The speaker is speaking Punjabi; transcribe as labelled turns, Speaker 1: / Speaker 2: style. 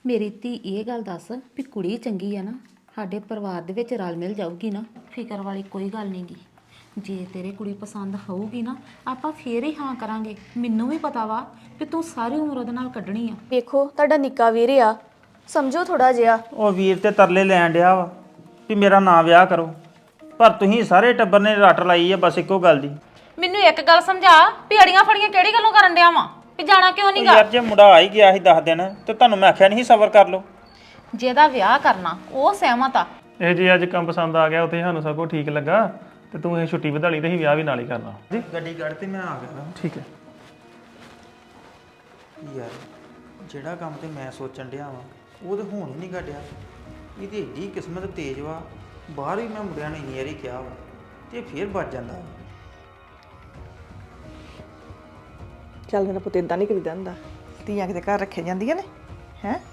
Speaker 1: ਮੇਰੀ ਧੀ ਇਹ ਗੱਲ ਦੱਸ ਵੀ ਕੁੜੀ ਚੰਗੀ ਆ ਨਾ, ਸਾਡੇ ਪਰਿਵਾਰ ਦੇ ਵਿੱਚ ਰਲ ਮਿਲ ਜਾਊਗੀ ਨਾ, ਫਿਕਰ ਵਾਲੀ ਕੋਈ ਗੱਲ ਨਹੀਂਗੀ। ਜੇ ਤੇਰੇ ਕੁੜੀ ਪਸੰਦ ਹੋਊਗੀ ਨਾ, ਆਪਾਂ ਫੇਰ ਹੀ ਹਾਂ ਕਰਾਂਗੇ। ਮੈਨੂੰ ਵੀ ਪਤਾ ਵਾ ਕਿ ਤੂੰ ਸਾਰੀ ਉਮਰ ਉਹਦੇ ਨਾਲ ਕੱਢਣੀ ਆ।
Speaker 2: ਵੇਖੋ ਤੁਹਾਡਾ ਨਿੱਕਾ ਵੀਰ ਆ, ਸਮਝੋ ਥੋੜਾ ਜਿਹਾ।
Speaker 3: ਉਹ ਵੀਰ ਤੇ ਤਰਲੇ ਲੈਣ ਡਿਆ ਵਾ ਵੀ ਮੇਰਾ ਨਾਂ ਵਿਆਹ ਕਰੋ, ਪਰ ਤੁਸੀਂ ਸਾਰੇ ਟੱਬਰ ਨੇ ਰੱਟ ਲਾਈ ਆ ਬਸ ਇੱਕੋ ਗੱਲ ਦੀ।
Speaker 4: ਮੈਨੂੰ ਇੱਕ ਗੱਲ ਸਮਝਾ ਵੀ ਅੜੀਆਂ ਫੜੀਆਂ ਕਿਹੜੀ ਗੱਲੋਂ ਕਰਨ ਡਿਆ ਵਾਂ ਵੀ ਜਾਣਾ ਕਿਉਂ ਨਹੀਂ ਗਾ?
Speaker 3: ਯਾਰ ਜੇ ਮੁੰਡਾ ਆ ਹੀ ਗਿਆ ਸੀ 10 ਦਿਨ ਤੇ ਤੁਹਾਨੂੰ ਮੈਂ ਆਖਿਆ ਨਹੀਂ ਸਬਰ ਕਰ ਲਓ।
Speaker 4: ਜਿਹਦਾ ਵਿਆਹ ਕਰਨਾ ਉਹ ਸਹਿਮਤ ਆ।
Speaker 5: ਇਹ ਜੇ ਅੱਜ ਕੰਮ ਪਸੰਦ ਆ ਗਿਆ ਉੱਥੇ ਸਾਨੂੰ ਸਭ ਕੁਝ ਠੀਕ ਲੱਗਾ ਤੇ ਤੂੰ ਇਹ ਛੁੱਟੀ ਵਧਾ ਲਈ ਤੇ ਅਸੀਂ ਵਿਆਹ ਵੀ ਨਾਲ ਹੀ ਕਰਨਾ ਜੀ।
Speaker 3: ਗੱਡੀ ਕੱਢ ਤੇ ਮੈਂ ਆ ਗਿਆ।
Speaker 5: ਠੀਕ ਹੈ
Speaker 3: ਯਾਰ ਜਿਹੜਾ ਕੰਮ ਤੇ ਮੈਂ ਸੋਚਣ ਡਿਆ ਵਾਂ ਉਹ ਤੇ ਹੁਣ ਹੀ ਨਹੀਂ ਕੱਢਿਆ। ਇਹਦੀ ਏਡੀ ਕਿਸਮਤ ਤੇਜ਼ ਵਾ, ਬਾਹਰ ਵੀ ਮੈਂ ਮੁੰਡਿਆਂ ਨੇ ਇੰਨੀ ਵਾਰੀ ਕਿਹਾ ਵਾ ਤੇ ਫੇਰ ਬਚ ਜਾਂਦਾ ਵਾ।
Speaker 6: ਚੱਲ ਮੇਰਾ ਪੁੱਤ ਇਦਾਂ ਨਹੀਂ ਕਰੀਦਾ ਹੁੰਦਾ, ਧੀਆਂ ਕਿਤੇ ਘਰ ਰੱਖੀਆਂ ਜਾਂਦੀਆਂ ਨੇ ਹੈ।